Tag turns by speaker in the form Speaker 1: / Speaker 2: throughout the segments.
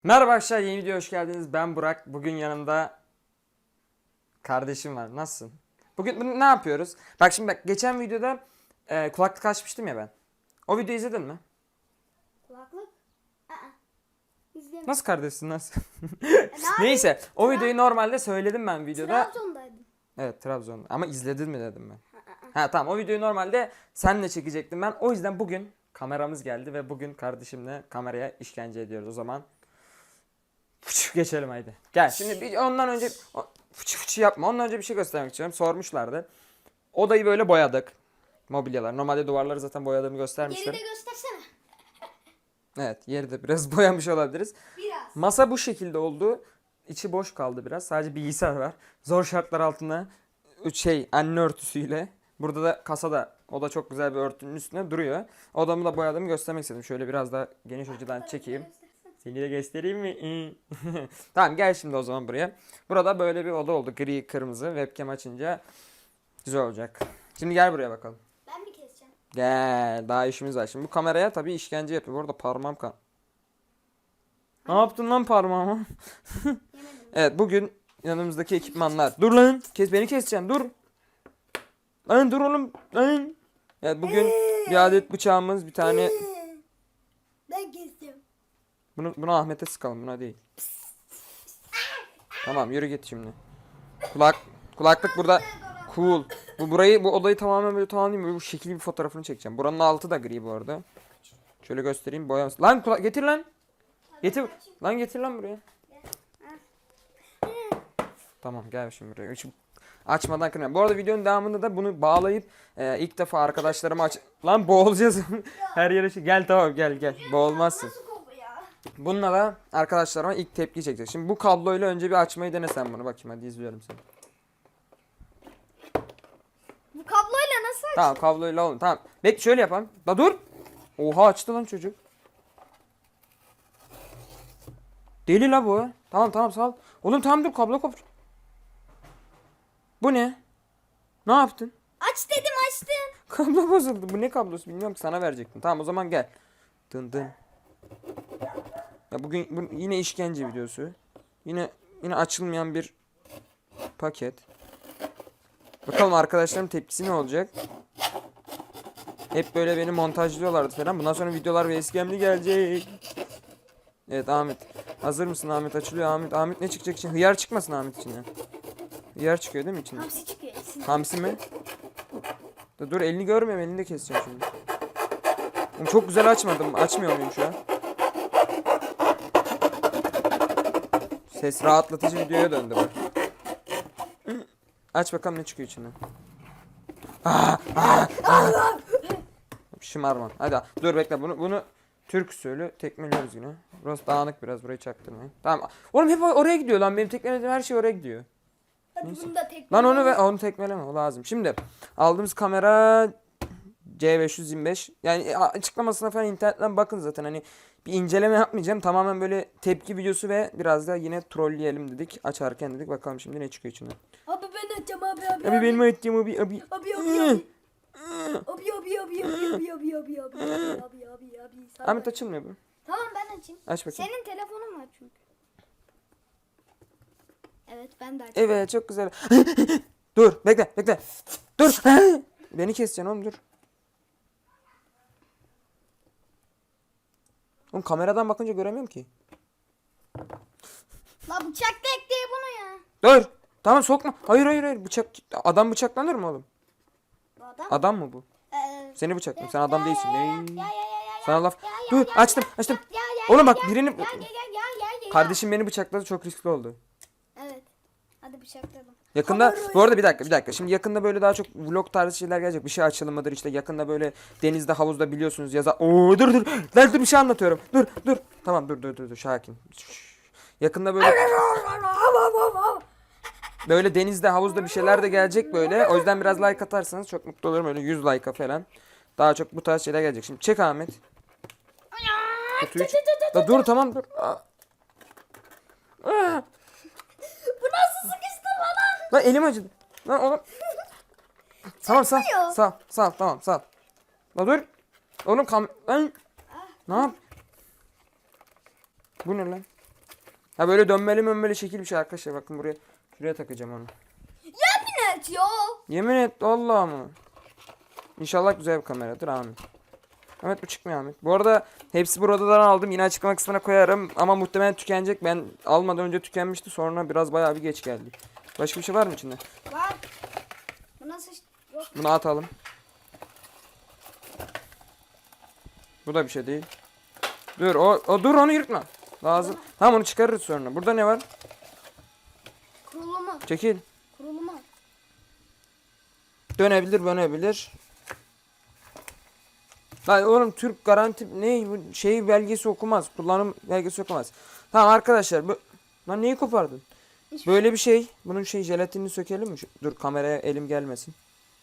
Speaker 1: Merhaba arkadaşlar, yeni videoya hoş geldiniz. Ben Burak. Bugün yanımda kardeşim var. Nasılsın? Bugün ne yapıyoruz? Bak şimdi geçen videoda kulaklık açmıştım ya ben. O videoyu izledin mi?
Speaker 2: Kulaklık? Aa. İzlemedim.
Speaker 1: Nasıl kardeşsin, nasıl?
Speaker 2: Ne
Speaker 1: Neyse, o videoyu normalde söyledim ben videoda.
Speaker 2: Trabzon'daydım.
Speaker 1: Evet, Trabzon'da. Ama izledin mi dedim ben. Ha tamam, o videoyu normalde senle çekecektim ben. O yüzden bugün kameramız geldi ve bugün kardeşimle kameraya işkence ediyoruz. O zaman geçelim haydi. Gel şimdi ondan önce fıçı fıçı yapma. Ondan önce bir şey göstermek istiyorum. Sormuşlardı. Odayı böyle boyadık. Mobilyalar. Normalde duvarları zaten boyadığımı göstermiştim.
Speaker 2: Yeri de göstersene.
Speaker 1: Evet, yeri de biraz boyamış olabiliriz.
Speaker 2: Biraz.
Speaker 1: Masa bu şekilde oldu. İçi boş kaldı biraz. Sadece bilgisayar var. Zor şartlar altında anne örtüsüyle. Burada da kasada, o da çok güzel bir örtünün üstüne duruyor. Odamı da boyadığımı göstermek istedim. Şöyle biraz da geniş açıdan çekeyim. Seni de göstereyim mi? Tamam, gel şimdi o zaman buraya. Burada böyle bir oda oldu. Gri kırmızı. Webcam açınca güzel olacak. Şimdi gel buraya bakalım.
Speaker 2: Ben mi keseceğim?
Speaker 1: Gel. Daha işimiz var. Şimdi bu kameraya tabii işkence yapıyor. Bu arada parmağım kan. Ne yaptın lan parmağıma?
Speaker 2: Yemedim.
Speaker 1: Evet, bugün yanımızdaki ekipmanlar. Dur lan. Beni keseceksin. Dur. Lan dur oğlum. Lan. Evet, bugün bir adet bıçağımız, bir tane.
Speaker 2: Ben keseceğim.
Speaker 1: Bunu Ahmet'e sıkalım, buna değil. Tamam, yürü git şimdi. Kulaklık burada. Cool. Bu odayı tamamen böyle tamamlayayım. Böyle bu şekil bir fotoğrafını çekeceğim. Buranın altı da gri bu arada. Şöyle göstereyim, boyaması. Lan getir lan. Getir. Lan getir lan buraya. Tamam, gel şimdi buraya. Açmadan kırmayalım. Bu arada videonun devamında da bunu bağlayıp ilk defa arkadaşlarıma Lan boğulacağız. Her yere gel, tamam, gel. Boğulmazsın.
Speaker 2: Nasıl koku ya?
Speaker 1: Bununla da arkadaşlarıma ilk tepki çekecek. Şimdi bu kabloyla önce bir açmayı denesen bunu. Bakayım, hadi izliyorum seni.
Speaker 2: Bu kabloyla nasıl aç?
Speaker 1: Tamam, kabloyla olun. Tamam. Bekle, şöyle yapalım. Da dur. Oha, açtı lan çocuk. Deli la bu. Tamam sağ ol. Oğlum tamam, dur, kablo kopar. Bu ne? Ne yaptın?
Speaker 2: Aç dedim, açtım.
Speaker 1: Kablo bozuldu. Bu ne kablosu bilmiyorum ki, sana verecektim. Tamam, o zaman gel. Dın. Ya bugün yine işkence videosu. Yine açılmayan bir paket. Bakalım arkadaşlarım tepkisi ne olacak? Hep böyle beni montajlıyorlardı falan. Bundan sonra videolar ve eskemli gelecek. Evet Ahmet. Hazır mısın Ahmet? Açılıyor Ahmet. Ahmet ne çıkacak için? Hıyar çıkmasın Ahmet içinden. Hıyar çıkıyor değil mi içinden?
Speaker 2: Hamsi çıkıyor.
Speaker 1: Hamsi mi? Dur, elini görmüyorum. Elini de keseceğim şimdi. Oğlum, çok güzel açmadım. Açmıyor muyum şu an? Ses rahatlatıcı videoya döndü bak. Aç bakalım ne çıkıyor içinden. Şımarma. Hadi dur, bekle, bunu Türk usulü tekmeliyoruz yine. Burası dağınık biraz, burayı çaktırmayın. Tamam. Oğlum hep oraya gidiyor lan, benim tekmelediğim her şey oraya gidiyor.
Speaker 2: Hadi
Speaker 1: Neyse.
Speaker 2: bunu da tek.
Speaker 1: Lan onu tekmeleme, o lazım. Şimdi aldığımız kamera C525. Yani açıklamasına falan internetten bakın zaten, hani bir inceleme yapmayacağım. Tamamen böyle tepki videosu ve biraz da yine trolleyelim dedik. Açarken dedik, bakalım şimdi ne çıkıyor içinden.
Speaker 2: Abi ben açacağım abi.
Speaker 1: Abi benim açacağım abi.
Speaker 2: Abi.
Speaker 1: Ahmet, açılmıyor bu.
Speaker 2: Tamam, ben açayım.
Speaker 1: Aç bakayım.
Speaker 2: Senin telefonun var çünkü. Evet, ben de açayım.
Speaker 1: Evet, çok güzel. Dur, bekle. Dur. Beni keseceksin oğlum, dur. Oğlum, kameradan bakınca göremiyorum ki.
Speaker 2: La bıçak da ekleye bunu ya.
Speaker 1: Dur. Tamam, sokma. Hayır. Adam bıçaklanır mı oğlum?
Speaker 2: Bu adam.
Speaker 1: Adam mı bu? Seni bıçaklayayım. Sen adam değilsin.
Speaker 2: Ya.
Speaker 1: Sana laf.
Speaker 2: Ya,
Speaker 1: Dur, açtım.
Speaker 2: Ya.
Speaker 1: Oğlum bak, birini
Speaker 2: Ya.
Speaker 1: kardeşim beni bıçakladı, çok riskli oldu.
Speaker 2: Evet. Hadi bıçakladım.
Speaker 1: Yakında bu arada bir dakika. Şimdi yakında böyle daha çok vlog tarzı şeyler gelecek. Bir şey açılımıdır işte. Yakında böyle denizde, havuzda biliyorsunuz Oo, dur. Lan dur, bir şey anlatıyorum. Dur. Tamam, dur. Sakin. Yakında böyle denizde, havuzda bir şeyler de gelecek böyle. O yüzden biraz like atarsanız çok mutlu olurum. Öyle 100 like'a falan. Daha çok bu tarz şeyler gelecek. Şimdi çek Ahmet. Kutuyu çek. Dur, tamam dur.
Speaker 2: Bu nasıl sıkıştırma lan?
Speaker 1: Lan elim acıdı. Lan oğlum. Tamam, sağ. Tamam, sağ. La dur. Oğlum lan. Ne yap? Bu ne lan? Ha böyle dönmeli şekil bir şey arkadaşlar. Bakın buraya. Şuraya takacağım onu.
Speaker 2: Evet ya.
Speaker 1: Yemin et Allah mı? İnşallah güzel bir kameradır amin. Ahmet bu çıkmıyor Ahmet. Bu arada hepsi buradan aldım. Yine açıklama kısmına koyarım. Ama muhtemelen tükenecek. Ben almadan önce tükenmişti. Sonra biraz bayağı bir geç geldi. Başka bir şey var mı içinde?
Speaker 2: Var. Bu nasıl yok?
Speaker 1: Bunu atalım. Bu da bir şey değil. Dur dur onu yırtma. Lazım. Tamam onu çıkarırız sonra. Burada ne var?
Speaker 2: Kurulu mu?
Speaker 1: Çekil.
Speaker 2: Kurulu mu?
Speaker 1: Dönebilir. Lan oğlum Türk garanti ne bu şey belgesi okumaz. Kullanım belgesi okumaz. Tamam arkadaşlar bu lan neyi kopardın? Böyle bir şey. Bunun jelatinini sökelim mi? Dur kameraya elim gelmesin.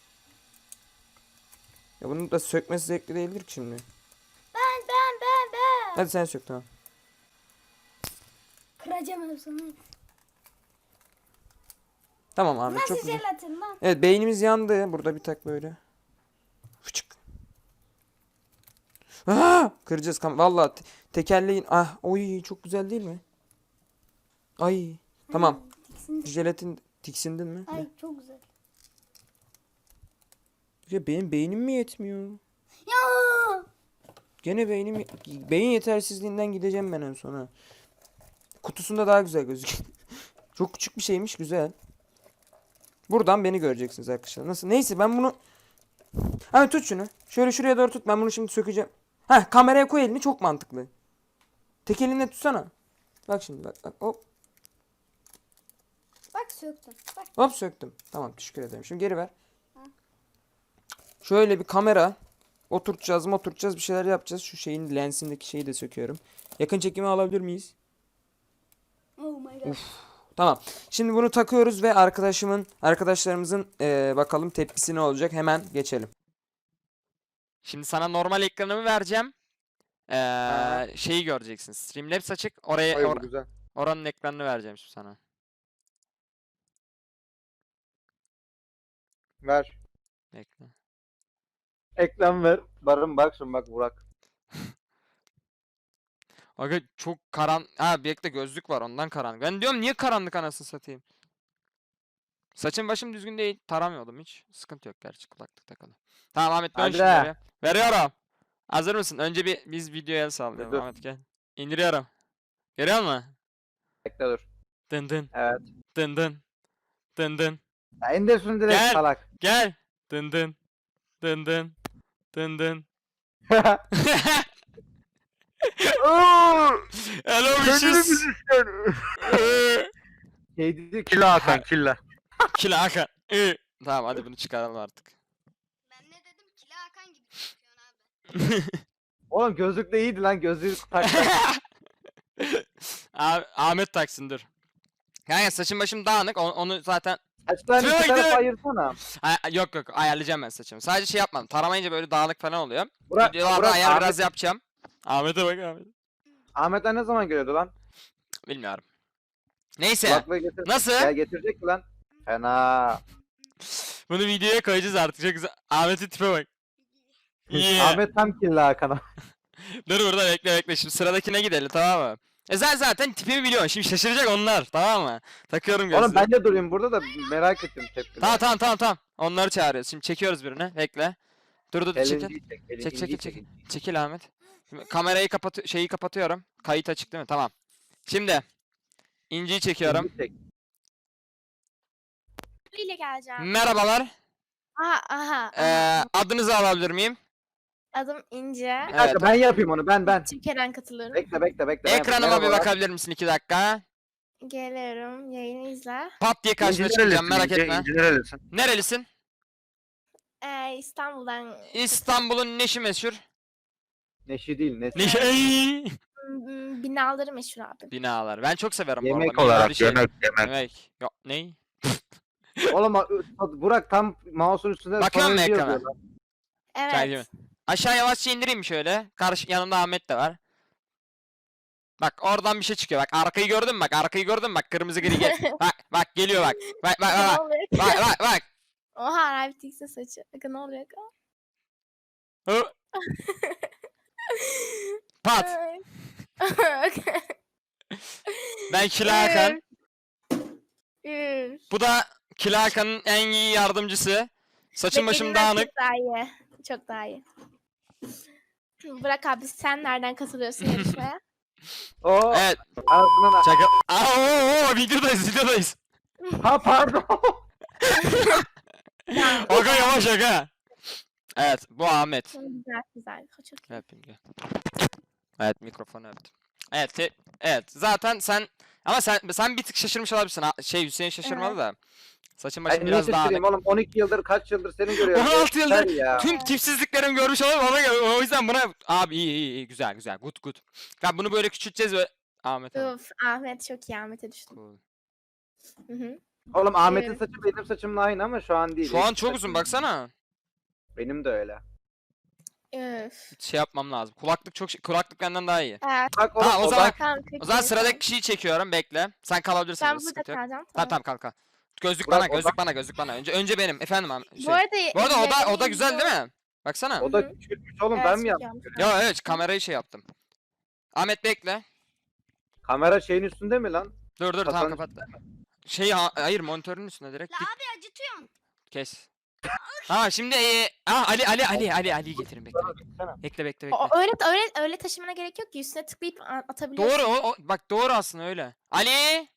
Speaker 1: Ya bunun da sökmesi zevkli değildir ki şimdi.
Speaker 2: Ben.
Speaker 1: Hadi sen sök tamam.
Speaker 2: Kıracağım hepsini.
Speaker 1: Tamam Ahmet
Speaker 2: Nasıl
Speaker 1: çok güzel.
Speaker 2: jelatin lan?
Speaker 1: Evet beynimiz yandı. Burada bir tak böyle. Fıçık. Kıracağız vallahi tekerleğin. Oy çok güzel değil mi? Ay. Tamam. Jelatin tiksindin mi?
Speaker 2: Ay çok güzel.
Speaker 1: Ya benim beynim mi yetmiyor?
Speaker 2: Ya.
Speaker 1: Gene beyin yetersizliğinden gideceğim ben en sona. Kutusunda daha güzel gözüküyor. Çok küçük bir şeymiş güzel. Buradan beni göreceksiniz arkadaşlar. Nasıl? Neyse ben bunu... Hani tut şunu. Şöyle şuraya doğru tut. Ben bunu şimdi sökeceğim. Kameraya koy elini çok mantıklı. Tek elinle tutsana. Bak şimdi bak. Hop.
Speaker 2: Bak söktüm. Bak.
Speaker 1: Hop söktüm. Tamam teşekkür ederim. Şimdi geri ver. Şöyle bir kamera. Oturtacağız bir şeyler yapacağız. Şu şeyin lensindeki şeyi de söküyorum. Yakın çekimi alabilir miyiz?
Speaker 2: Oh my god.
Speaker 1: Tamam. Şimdi bunu takıyoruz ve arkadaşlarımızın bakalım tepkisi ne olacak. Hemen geçelim. Şimdi sana normal ekranımı vereceğim. Şeyi göreceksin. Streamlabs açık.
Speaker 3: Güzel.
Speaker 1: Oranın ekranını vereceğim şimdi sana.
Speaker 3: Ver.
Speaker 1: Bekle.
Speaker 3: Ekran ver. Bak şimdi bak Burak.
Speaker 1: Aga çok bekle gözlük var ondan karanlık. Ben diyorum niye karanlık anasını satayım. Saçım başım düzgün değil. Taramıyordum hiç. Sıkıntı yok gerçi kulaklık takalı. Tamam Ahmet dön
Speaker 3: Hadi
Speaker 1: şimdi
Speaker 3: be.
Speaker 1: oraya. Veriyorum. Hazır mısın? Önce biz videoya el sallayalım
Speaker 3: Dur.
Speaker 1: Ahmet gel. İndiriyorum. Görüyor musun?
Speaker 3: Bekle dur.
Speaker 1: Dın dın
Speaker 3: Evet.
Speaker 1: dın dın dın dın.
Speaker 3: Ya indir şunu direkt
Speaker 1: Gel.
Speaker 3: salak.
Speaker 1: Gel. Dın dın dın dın dın dın. Hello wishes.
Speaker 3: Şey dedi killa Hakan killa.
Speaker 1: Kila Hakan. Tamam hadi bunu çıkaralım artık.
Speaker 2: Ben ne dedim? Kila Hakan gibi çıkıyorsun abi.
Speaker 3: Oğlum gözlük de iyiydi lan gözlüğü tak.
Speaker 1: Ahmet taksın dur. Yani saçım başım dağınık onu zaten
Speaker 3: Saçlarını
Speaker 1: Şuraya
Speaker 3: iki tarafa
Speaker 1: gidelim.
Speaker 3: ayırsana.
Speaker 1: Yok ayarlayacağım ben saçımı. Sadece şey yapmam. Taramayınca böyle dağınık falan oluyor.
Speaker 3: Burak,
Speaker 1: Videolarda
Speaker 3: Burak,
Speaker 1: ayar
Speaker 3: Ahmet,
Speaker 1: biraz yapacağım. Ahmet'e bak Ahmet.
Speaker 3: Ahmet'ler ne zaman geliyordu lan?
Speaker 1: Bilmiyorum. Neyse.
Speaker 3: Kulaklığı getir.
Speaker 1: Nasıl?
Speaker 3: Ya getirecek mi lan? Fena.
Speaker 1: Bunu videoya koyacağız artık. Çok güzel. Ahmet'in tipe bak. Yeah.
Speaker 3: Ahmet tam killa Hakan'a.
Speaker 1: Dur burada bekle. Şimdi sıradakine gidelim tamam mı? Sen zaten tipimi biliyorsun. Şimdi şaşıracak onlar tamam mı? Takıyorum gözlüğü.
Speaker 3: Oğlum ben de durayım burada da merak ettim tepkileri.
Speaker 1: Tamam. Onları çağırıyoruz. Şimdi çekiyoruz birini. Bekle. Dur çekil.
Speaker 3: Elinciyi çek.
Speaker 1: Çekil. Çekil Ahmet. Şimdi kamerayı kapatıyorum. Kayıt açık değil mi? Tamam. Şimdi İnci'yi çekiyorum.
Speaker 3: İnciyi çek.
Speaker 4: ile geleceğim.
Speaker 1: Merhabalar.
Speaker 4: Aha.
Speaker 1: Adınızı alabilir miyim?
Speaker 4: Adım İnce.
Speaker 3: Bir dakika
Speaker 1: Evet.
Speaker 3: ben yapayım onu ben.
Speaker 4: Türkiye'den katılıyorum.
Speaker 3: Bekle. Ben yapayım.
Speaker 1: Ekranıma bir
Speaker 3: Merhabalar.
Speaker 1: bakabilir misin 2 dakika?
Speaker 4: Geliyorum. Yayını izle.
Speaker 1: Pat diye karşına çıkacağım merak etme.
Speaker 3: nerelisin?
Speaker 1: Nerelisin?
Speaker 4: İstanbul'dan
Speaker 1: İstanbul'un neşi meşhur?
Speaker 3: Neşi değil neşi.
Speaker 1: Neşi.
Speaker 4: binaları meşhur abi.
Speaker 1: Binalar. Ben çok severim bu
Speaker 3: Yemek
Speaker 1: arada. mimari
Speaker 3: olarak
Speaker 1: şey.
Speaker 3: yemek.
Speaker 1: Yok ney?
Speaker 3: Oğlum Burak tam mouse'un üstünde
Speaker 1: Bakıyor musun
Speaker 3: sonuncu
Speaker 1: ekrana?
Speaker 3: yazıyor lan.
Speaker 4: Evet.
Speaker 1: Aşağı yavaşça indireyim şöyle. yanımda Ahmet de var. Bak oradan bir şey çıkıyor. Bak arkayı gördün mü? Bak kırmızı gri gel. bak geliyor bak. Bak
Speaker 4: Ne oluyor?
Speaker 1: bak.
Speaker 4: Oha abi tikse saçı. Bakın ne oluyor?
Speaker 1: Hı. Pat. Ben Kila Hakan.
Speaker 4: Üf.
Speaker 1: Bu da Kila Hakan'ın en iyi yardımcısı. Saçım başım
Speaker 4: Beklediğimden
Speaker 1: dağınık.
Speaker 4: Çok daha iyi. Çok daha iyi. Burak abi sen nereden katılıyorsun yarışmaya?
Speaker 3: O
Speaker 1: Evet.
Speaker 3: ağzının...
Speaker 1: Şaka. Aa, videodayız.
Speaker 3: Ha pardon.
Speaker 1: Aga yavaş aga. Evet, bu Ahmet.
Speaker 4: Güzel güzel. Çok iyi.
Speaker 1: Öpeyim gel. Evet, mikrofonu öptüm. Evet, evet. Zaten sen ama sen bir tık şaşırmış olabilirsin. Hüseyin şaşırmadı
Speaker 4: Evet.
Speaker 1: da. Saçın
Speaker 3: Ay
Speaker 1: başın
Speaker 3: niye
Speaker 1: biraz
Speaker 3: şaşırayım
Speaker 1: dağınık.
Speaker 3: oğlum 12 yıldır kaç yıldır seni görüyorum.
Speaker 1: 16 yıldır
Speaker 3: Yeter ya.
Speaker 1: tüm tipsizliklerimi görmüş olalım ona göre. O yüzden buna abi iyi güzel good. Ya bunu böyle küçülteceğiz ve Ahmet abi.
Speaker 4: Uf, Ahmet çok iyi. Ahmet'e düştüm.
Speaker 1: Cool.
Speaker 4: Hı hı.
Speaker 3: Oğlum Ahmet'in
Speaker 4: Evet.
Speaker 3: saçı benim saçımla aynı ama şu an değil.
Speaker 1: Şu an
Speaker 3: Eski
Speaker 1: çok uzun
Speaker 3: saçım.
Speaker 1: baksana.
Speaker 3: Benim de öyle.
Speaker 4: Üf.
Speaker 1: Şey yapmam lazım. Kulaklık benden daha iyi.
Speaker 4: Evet.
Speaker 3: Bak oğlum
Speaker 1: Ha, o
Speaker 3: o
Speaker 1: zaman-
Speaker 3: bak.
Speaker 4: Tamam,
Speaker 1: O zaman
Speaker 4: iyi,
Speaker 1: sıradaki
Speaker 4: tamam.
Speaker 1: kişiyi çekiyorum. Bekle. Sen kalabilirsin.
Speaker 4: Ben
Speaker 1: burada,
Speaker 4: burada
Speaker 1: sıkıntı yok.
Speaker 4: kalacağım.
Speaker 1: Tamam kalk. Gözlük
Speaker 3: Burak,
Speaker 1: bana,
Speaker 3: o
Speaker 1: gözlük bana. Önce benim. Efendim abi.
Speaker 4: Bu arada,
Speaker 1: Bu arada o da
Speaker 4: izlediğim
Speaker 1: güzel
Speaker 4: video-
Speaker 1: değil mi? Baksana.
Speaker 3: O da
Speaker 4: Hı hı.
Speaker 3: küçülmüş oğlum
Speaker 4: Evet,
Speaker 3: ben mi
Speaker 4: çok
Speaker 3: yaptım?
Speaker 4: yanlış.
Speaker 1: Ya evet kamerayı şey yaptım. Ahmet bekle.
Speaker 3: Kamera şeyin üstünde mi lan?
Speaker 1: Dur tamam
Speaker 3: Kafanın
Speaker 1: kapat. Hayır monitörün üstüne direkt.
Speaker 2: La
Speaker 1: Git,
Speaker 2: abi acıtıyorum.
Speaker 1: kes. Ha şimdi Ali'yi getirin bekle. Bekle.
Speaker 4: Öyle taşımana gerek yok ki üstüne tıklayıp atabiliyorsun.
Speaker 1: Doğru bak doğru aslında öyle. Ali.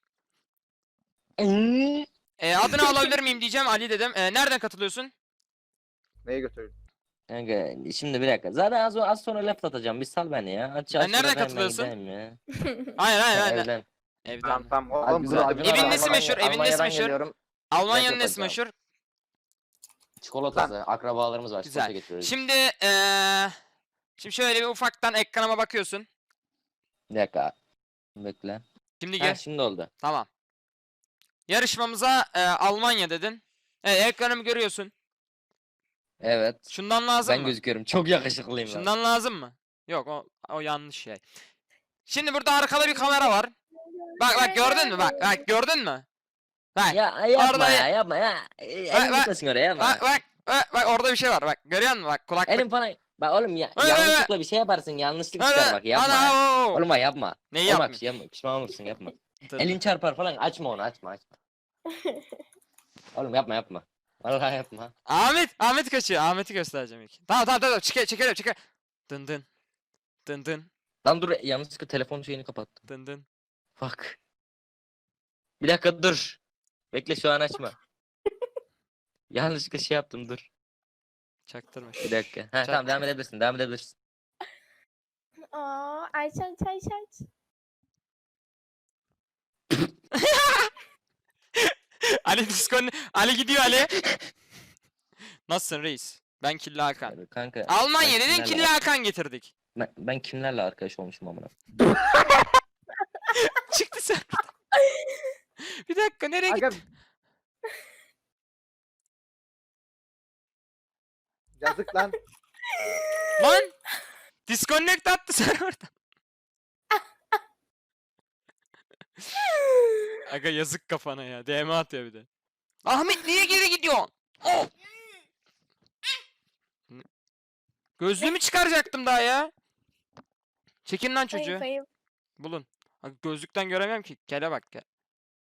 Speaker 1: Adını alabilir miyim diyeceğim Ali dedim. Nereden katılıyorsun?
Speaker 3: Neye götürdün?
Speaker 5: Kanka şimdi bir dakika. Zaten az sonra laf atacağım. Bir sal beni ya.
Speaker 1: nereden katılıyorsun?
Speaker 5: Ya.
Speaker 1: Hayır.
Speaker 5: Evden.
Speaker 1: Evden.
Speaker 3: Tamam
Speaker 5: Abi
Speaker 3: oğlum
Speaker 5: biz
Speaker 3: burada
Speaker 5: Acun
Speaker 1: Evin
Speaker 5: abi
Speaker 1: nesi meşhur? Evin nesi
Speaker 5: Almanya'dan
Speaker 1: meşhur?
Speaker 5: geliyorum.
Speaker 1: Almanya'nın
Speaker 5: Yok
Speaker 1: nesi
Speaker 5: hocam.
Speaker 1: meşhur?
Speaker 5: Çikolatası. Akrabalarımız var.
Speaker 1: Güzel.
Speaker 5: Çikolata getiriyoruz.
Speaker 1: Şimdi şöyle bir ufaktan ekranıma bakıyorsun.
Speaker 5: Bir dakika. Bekle.
Speaker 1: Şimdi
Speaker 5: Ha,
Speaker 1: gel.
Speaker 5: şimdi oldu.
Speaker 1: Tamam. Yarışmamıza Almanya dedin. Ekranımı görüyorsun.
Speaker 5: Evet.
Speaker 1: Şundan lazım
Speaker 5: Ben
Speaker 1: mı?
Speaker 5: gözüküyorum. Çok yakışıklıyım lan.
Speaker 1: Şundan lazım mı? Yok o yanlış şey. Şimdi burada arkada bir kamera var. Bak gördün mü? Bak gördün mü? Bak.
Speaker 5: Ya yapma
Speaker 1: Orada-
Speaker 5: ya yapma ya. Elini
Speaker 1: bak-
Speaker 5: tutasın oraya yapma.
Speaker 1: Bak orada bir şey var. Bak görüyor musun? Bak kulaklık.
Speaker 5: Elim falan. Bak oğlum ya
Speaker 1: Öyle,
Speaker 5: yanlışlıkla bir şey yaparsın. Yanlışlık çıkar bak yapma. ya.
Speaker 1: Ana,
Speaker 5: Oğlum bak yapma.
Speaker 1: Neyi
Speaker 5: Oğlum bak
Speaker 1: yapmayayım?
Speaker 5: yapma. Pişman olursun yapma.
Speaker 1: Dur.
Speaker 5: Elin çarpar falan açma onu açma. Oğlum yapma. Vallahi yapma.
Speaker 1: Ahmet kaçıyor. Ahmet'i göstereceğim ilk. Tamam. Çekelim. Dın.
Speaker 5: Lan dur yanlışlıkla telefon şeyini kapattım.
Speaker 1: Dın.
Speaker 5: Bak. Bir dakika dur. Bekle şu an açma. Yanlışlıkla şey yaptım dur.
Speaker 1: Çaktırma.
Speaker 5: Bir dakika. Ha tamam devam edebilirsin.
Speaker 4: Aa, aç.
Speaker 1: Ali gidiyor Ali. Nasılsın reis? Ben Killa Hakan.
Speaker 5: Hadi kanka.
Speaker 1: Almanya
Speaker 5: ben
Speaker 1: dedin
Speaker 5: kimlerle-
Speaker 1: Killa Hakan getirdik.
Speaker 5: Ben kimlerle arkadaş olmuşum amına.
Speaker 1: Çıktı sen. Bir dakika nereye
Speaker 3: Aga...
Speaker 1: gittin?
Speaker 3: Yazık lan.
Speaker 1: Lan! Disconnect attı sen oradan. Aga yazık kafana ya. DM atıyor bir de. Ahmet niye geri gidiyorsun? Oh! Gözlüğümü çıkaracaktım daha ya. Çekin lan çocuğu.
Speaker 4: Ayıp.
Speaker 1: Bulun. Aga, gözlükten göremiyorum ki. Kele bak gel.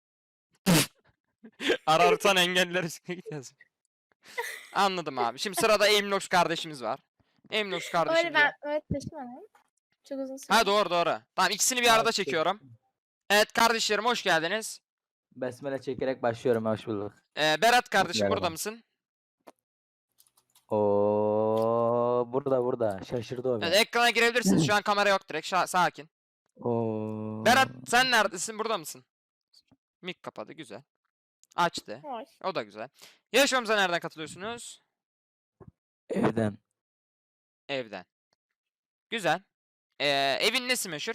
Speaker 1: Ararsan engeller üstüne gideceğiz. Anladım abi. Şimdi sırada Aimlox kardeşimiz var. Aimlox kardeşimiz.
Speaker 4: Öyle ben öyle taşımadım. Çok uzun süre.
Speaker 1: Ha doğru. Tamam ikisini bir arada çekiyorum. Evet kardeşlerim hoş geldiniz.
Speaker 6: Besmele çekerek başlıyorum. Hoş bulduk.
Speaker 1: Berat kardeşim
Speaker 6: Merhaba.
Speaker 1: burada mısın?
Speaker 6: Oo burada. Şaşırdı o
Speaker 1: Evet
Speaker 6: beni.
Speaker 1: ekrana girebilirsiniz. Şu an kamera yok direkt. Sakin.
Speaker 6: Oo.
Speaker 1: Berat sen neredesin? Burada mısın? Mik kapadı. Güzel. Açtı.
Speaker 4: Hoş.
Speaker 1: O da güzel. Yarışmamıza nereden katılıyorsunuz?
Speaker 6: Evden.
Speaker 1: Evden. Güzel. Evin nesi meşhur?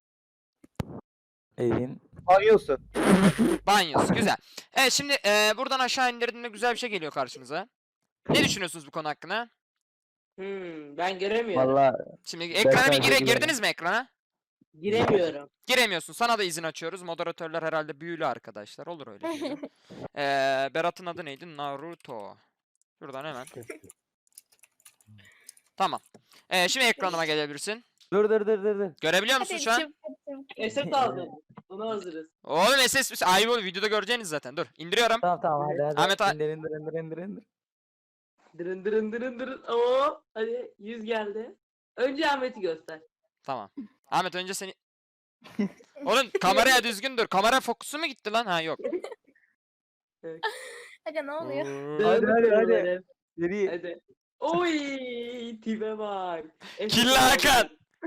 Speaker 6: Evin.
Speaker 3: Banyosun.
Speaker 1: Banyosu. Güzel. Evet şimdi buradan aşağı indirdiğinde güzel bir şey geliyor karşınıza. Ne düşünüyorsunuz bu konu hakkında?
Speaker 7: Ben giremiyorum.
Speaker 6: Valla
Speaker 1: Şimdi ekrana bir
Speaker 6: sadece güvenim.
Speaker 1: girdiniz mi ekrana?
Speaker 7: Giremiyorum.
Speaker 1: Giremiyorsun. Sana da izin açıyoruz. Moderatörler herhalde büyülü arkadaşlar. Olur öyle şeyler. Berat'ın adı neydi? Naruto. Şuradan hemen. Tamam. Şimdi ekranıma gelebilirsin.
Speaker 6: Dur dur dur dur dur.
Speaker 1: Görebiliyor musun
Speaker 4: Hadi
Speaker 1: şu an?
Speaker 4: çabuk, çabuk.
Speaker 7: Eset aldım. Buna hazırız.
Speaker 1: Oğlum SS ayıp olur. Videoda göreceğiniz zaten. Dur. İndiriyorum.
Speaker 6: Tamam tamam hadi hadi.
Speaker 1: Ahmet,
Speaker 6: İndir indir indir indir indir.
Speaker 7: Dırın dırın dırın dırın. Oo, hadi 100 geldi. Önce Ahmet'i göster.
Speaker 1: Tamam. Ahmet önce seni... Oğlum kameraya düzgün dur. Kamera fokusu mu gitti lan? Ha yok.
Speaker 4: Aga ne oluyor?
Speaker 6: Hadi, hadi, hadi.
Speaker 7: Böyle.
Speaker 6: Geri.
Speaker 7: Hadi. Oy, tipe bak. Eset
Speaker 1: Killa
Speaker 7: aldım.
Speaker 1: Hakan.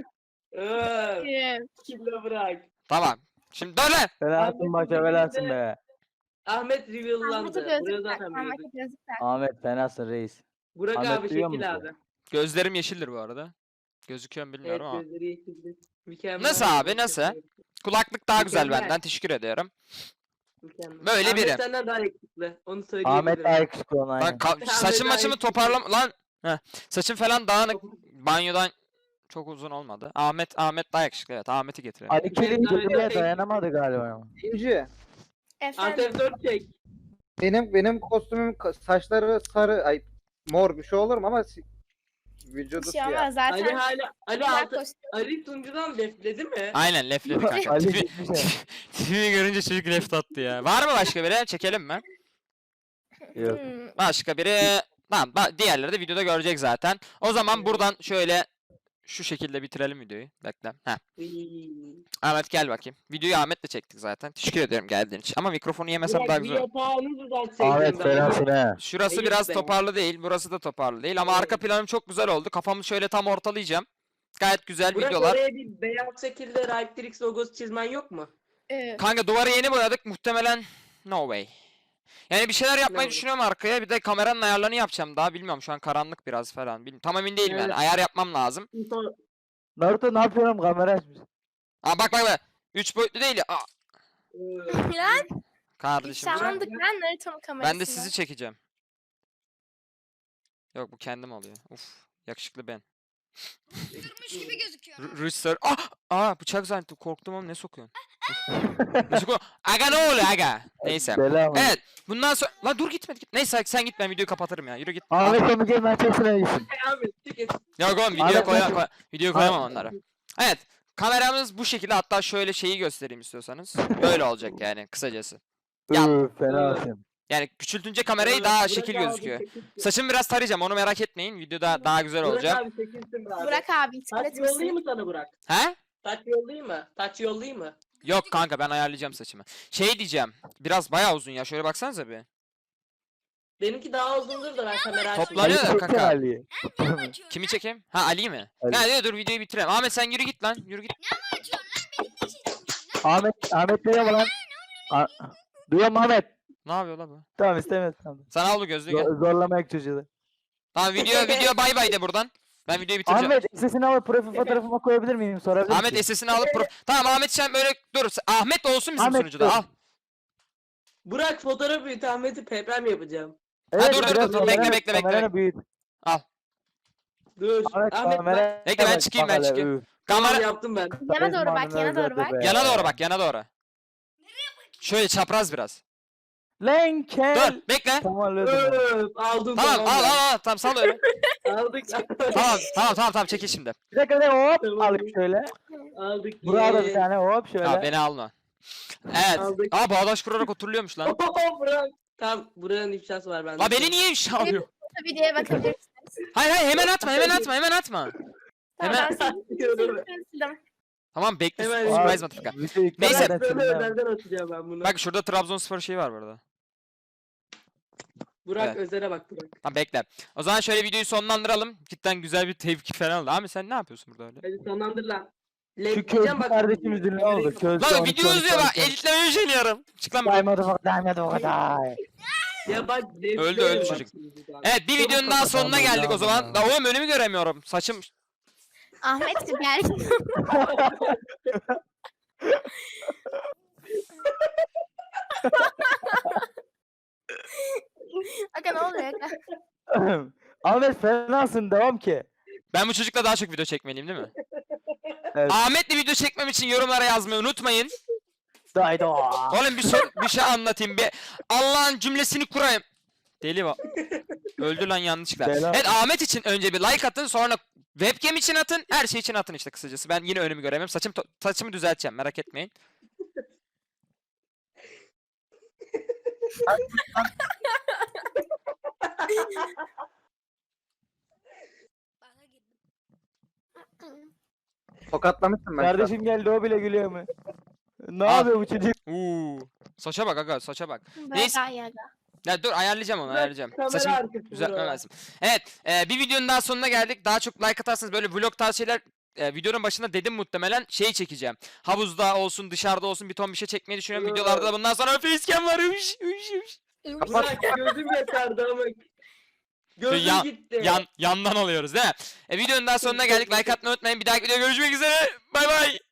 Speaker 7: Killa bırak.
Speaker 1: Tamam. Şimdi dur lan.
Speaker 6: Fenasın başa belasın be.
Speaker 7: Ahmet
Speaker 4: Ahmet'e
Speaker 7: reveal'landı. Buraya
Speaker 4: gözlük tak.
Speaker 7: zaten biliyorduk.
Speaker 4: Ahmet'e gözlük tak.
Speaker 6: Ahmet fenasın reis.
Speaker 7: Burak
Speaker 6: Ahmet
Speaker 7: abi
Speaker 6: duyuyor
Speaker 7: şekil
Speaker 6: musun?
Speaker 7: abi.
Speaker 1: Gözlerim yeşildir bu arada. Gözüküyor mu
Speaker 7: Evet
Speaker 1: bilmiyorum ama.
Speaker 7: gözleri yeşildi. Mükemmel.
Speaker 1: Nasıl abi, nasıl? Kulaklık daha güzel
Speaker 7: Mükemmel.
Speaker 1: benden. Teşekkür ediyorum.
Speaker 7: Mükemmel.
Speaker 1: Böyle
Speaker 7: Ahmet
Speaker 1: biri.
Speaker 7: senden daha yakışıklı. Onu söyleyebilirim.
Speaker 6: Ahmet daha yakışıklı olan
Speaker 1: Bak
Speaker 6: aynen.
Speaker 1: saçım
Speaker 7: daha
Speaker 1: maçımı
Speaker 7: iyi.
Speaker 1: toparlam... Lan. Heh. Saçım falan dağınık. Banyodan çok uzun olmadı. Ahmet daha yakışıklı, evet. Ahmet'i getirelim.
Speaker 6: Ali Kelin
Speaker 7: Ahmet
Speaker 6: gözüne
Speaker 7: daha
Speaker 6: dayanamadı galiba ama.
Speaker 3: İkinci.
Speaker 4: Efendim.
Speaker 7: Antep 4 çek.
Speaker 3: Benim kostümüm saçları sarı, ay mor bir şey olur mu ama
Speaker 4: Bir
Speaker 3: vücudu
Speaker 4: şey
Speaker 3: siyah.
Speaker 4: olmaz
Speaker 7: Ali
Speaker 4: zaten.
Speaker 7: hala Ali
Speaker 4: Güzel
Speaker 7: altı.
Speaker 4: kostüm.
Speaker 7: Ali sunucudan defledi mi?
Speaker 1: Aynen lefledi kanka.
Speaker 6: Ali
Speaker 1: Tipi,
Speaker 6: gitmiş ya.
Speaker 1: tipimi görünce çocuk left attı ya. Var mı başka biri? Çekelim mi?
Speaker 6: Yok.
Speaker 1: Başka biri... Tamam diğerleri de videoda görecek zaten. O zaman buradan şöyle şu şekilde bitirelim videoyu. Bekle. Heh. Ahmet gel bakayım. Videoyu Ahmet'le çektik zaten. Teşekkür ederim geldiğin için. Ama mikrofonu yemesem daha güzel olur.
Speaker 6: Ahmet fenasın he.
Speaker 1: Şurası
Speaker 7: Ayıp
Speaker 1: biraz
Speaker 7: be.
Speaker 1: toparlı değil. Burası da toparlı değil. Ama
Speaker 7: Evet.
Speaker 1: arka planım çok güzel oldu. Kafamı şöyle tam ortalayacağım. Gayet güzel
Speaker 7: Burak
Speaker 1: videolar.
Speaker 7: oraya bir beyaz şekilde Riptrix logosu çizmen yok mu?
Speaker 1: Kanka duvarı yeni boyadık. Muhtemelen no way. Yani bir şeyler yapmayı
Speaker 7: No.
Speaker 1: düşünüyorum arkaya. Bir de kameranın ayarlarını yapacağım daha. Bilmiyorum şu an karanlık biraz falan. Tam emin değilim yani.
Speaker 7: Evet.
Speaker 1: Ayar yapmam lazım.
Speaker 6: Naruto ne yapıyorum kamera açmış.
Speaker 1: Aa bak. 3 boyutlu değil ya. Aa,
Speaker 4: Lan
Speaker 1: kardeşim.
Speaker 4: şahlandık lan Naruto'nun kamerasında.
Speaker 1: Ben de sizi çekeceğim. Yok bu kendim oluyor. Uf yakışıklı ben.
Speaker 2: Durmuş gibi gözüküyor.
Speaker 1: Rüster. Bıçak zannettim. Korktum ama ne sokuyorsun? Ne sokuyorsun? Aga ne oluyor aga? Neyse.
Speaker 6: Selam.
Speaker 1: Evet. Bundan sonra... La dur gitme. Neyse sen git ben videoyu kapatırım ya. Yürü git.
Speaker 6: Ahmet onu gel ben çok sevmişim.
Speaker 7: Abi çık et.
Speaker 1: Yok oğlum
Speaker 6: Ahmet,
Speaker 1: videoya koyamam onları. Evet. Kameramız bu şekilde, hatta şöyle şeyi göstereyim istiyorsanız. Böyle olacak yani kısacası. Ya-
Speaker 6: Fenasın.
Speaker 1: Yani küçültünce kamerayı daha şekil gözüküyor. Saçımı biraz tarayacağım, onu merak etmeyin. Videoda daha güzel olacak.
Speaker 7: Burak abi çekilsin be abi.
Speaker 4: Burak abi
Speaker 7: Taç
Speaker 4: tıklat
Speaker 7: yollayayım mı sana Burak?
Speaker 1: He?
Speaker 7: Taç yollayayım mı? Taç yollayayım mı?
Speaker 1: Yok kanka ben ayarlayacağım saçımı. Şey diyeceğim. Biraz bayağı uzun ya. Şöyle baksanıza bir.
Speaker 7: Benimki daha uzundur da ben kamera açmayayım.
Speaker 1: Toplanıyor da
Speaker 6: çeksene
Speaker 1: kaka.
Speaker 6: Ali'yi.
Speaker 1: Kimi çekeyim? Ha Ali mi?
Speaker 6: Ali.
Speaker 1: Ha dur videoyu bitirelim. Ahmet sen yürü git lan. Yürü git.
Speaker 6: Ahmet duyuyor mu lan? Duyuyor mu Ahmet?
Speaker 1: Ne yapıyor la bu?
Speaker 6: Tamam istemez tamam.
Speaker 1: Sen al bu gözlüğü gel.
Speaker 6: Zorlamayak çocuğu da.
Speaker 1: Tamam video bay bay de buradan. Ben videoyu bitireceğim.
Speaker 6: Ahmet sesini alıp profil fotoğrafıma koyabilir miyim? Sorabilir
Speaker 1: Ahmet
Speaker 6: miyim?
Speaker 1: SS'ini alıp Tamam Ahmet sen böyle dur. Ahmet olsun bizim
Speaker 6: Ahmet,
Speaker 1: sunucuda.
Speaker 6: dur.
Speaker 1: Al.
Speaker 7: Burak fotoğraf büyüt Ahmet'i peprem yapacağım.
Speaker 6: Evet,
Speaker 1: dur,
Speaker 6: biraz
Speaker 1: dur,
Speaker 6: kameranı-
Speaker 1: bekle.
Speaker 6: kameranı büyüt.
Speaker 7: Dur.
Speaker 6: Ahmet
Speaker 7: Ahmet
Speaker 6: kamera.
Speaker 7: bak.
Speaker 1: Bekle, ben çıkayım, ben çıkayım. Kamera
Speaker 7: Yaptım ben.
Speaker 4: Yana doğru bak, yana doğru bak.
Speaker 1: yana doğru bak, yana doğru. Şöyle çapraz biraz.
Speaker 6: Lan kel.
Speaker 1: Dur, bekle.
Speaker 6: Tamam öyle.
Speaker 7: Öf, aldım
Speaker 1: Tamam,
Speaker 7: ben.
Speaker 1: al. Tamam sal öyle.
Speaker 7: Aldık.
Speaker 1: Tamam çekil şimdi.
Speaker 6: Bir dakika hop
Speaker 7: Tamam.
Speaker 6: alayım şöyle.
Speaker 7: Aldık.
Speaker 6: Buraya da bir
Speaker 7: Yes.
Speaker 6: tane hop şöyle.
Speaker 1: Ya beni alma. Evet.
Speaker 7: Aldık.
Speaker 1: Bağdaş kurarak oturuluyormuş lan.
Speaker 7: Burak. Tamam buranın ifşası var bende.
Speaker 1: La beni niye ifşa alıyor?
Speaker 4: Videoya bakabilirsiniz.
Speaker 1: Hayır hemen atma. Hemen.
Speaker 4: Tamam ben sildim.
Speaker 1: Tamam bekle.
Speaker 7: Hemen-
Speaker 1: Surprise motherfucker.
Speaker 6: Videoyu
Speaker 1: Neyse.
Speaker 6: kameradan
Speaker 7: Böyle
Speaker 6: sileceğim.
Speaker 7: özelden atacağım ben bunu.
Speaker 1: Bak şurada Trabzonspor şeyi var burada.
Speaker 7: Burak
Speaker 1: Evet.
Speaker 7: özele bak Burak.
Speaker 1: Tamam bekle. O zaman şöyle videoyu sonlandıralım. Cidden güzel bir tepki falan oldu. Abi sen ne yapıyorsun burada öyle?
Speaker 7: Hadi sonlandır lan.
Speaker 6: Şu
Speaker 7: Lepleyeceğim
Speaker 6: közlü
Speaker 7: bak.
Speaker 6: kardeşimizin ne oldu? Közlü
Speaker 1: Lan
Speaker 6: 12,
Speaker 1: video
Speaker 6: 12,
Speaker 1: uzuyor bak.
Speaker 6: 12.
Speaker 1: Editlemeye üşeniyorum. Çık lan buradan.
Speaker 6: Daymadı o kadar.
Speaker 7: Ya bak
Speaker 1: Öldü
Speaker 7: bak
Speaker 1: çocuk.
Speaker 7: şimdi bak.
Speaker 1: Evet bir videonun daha sonuna
Speaker 6: kapatalım
Speaker 1: geldik o
Speaker 6: ya.
Speaker 1: zaman. Da oğlum önümü göremiyorum. Saçım.
Speaker 4: Ahmet gel. Aga ne oluyor aga?
Speaker 6: Ahmet fenasın devam ki.
Speaker 1: Ben bu çocukla daha çok video çekmeliyim değil mi?
Speaker 6: Evet.
Speaker 1: Ahmet'le video çekmem için yorumlara yazmayı unutmayın.
Speaker 6: Daydo.
Speaker 1: Oğlum bir şey anlatayım. Bir Allah'ın cümlesini kurayım. Deli var. Öldü lan yanlışlıkla.
Speaker 6: Bela.
Speaker 1: Evet Ahmet için önce bir like atın, sonra Webcam için atın, her şey için atın işte kısacası. Ben yine önümü göremiyorum. Saçımı düzelteceğim, merak etmeyin.
Speaker 2: Bana girdim.
Speaker 3: Tokatlamışsın ben. şu an.
Speaker 6: Kardeşim geldi o bile gülüyor mu? Ne yapıyor bu çocuk?
Speaker 1: Saça bak aga, saça bak.
Speaker 4: Böyle
Speaker 1: Neyse.
Speaker 4: daha iyi aga.
Speaker 1: Ya dur ayarlayacağım onu,
Speaker 7: Bak,
Speaker 1: ayarlayacağım.
Speaker 7: kamera
Speaker 1: Saçımı
Speaker 7: arkası
Speaker 1: düzeltmem
Speaker 7: buralar.
Speaker 1: lazım. Evet, bir videonun daha sonuna geldik. Daha çok like atarsanız böyle vlog tarzı şeyler videonun başında dedim muhtemelen şeyi çekeceğim. Havuzda olsun, dışarıda olsun bir ton bir şey çekmeyi düşünüyorum.
Speaker 7: Evet.
Speaker 1: Videolarda da bundan sonra facecam var. Üş, üş, üş.
Speaker 7: Bak gözüm yaşardı ama. Gözüm
Speaker 1: Ya-
Speaker 7: gitti.
Speaker 1: Yandan alıyoruz değil mi? Videonun daha sonuna geldik. Like atmayı unutmayın. Bir dahaki videoda görüşmek üzere. Bay bay.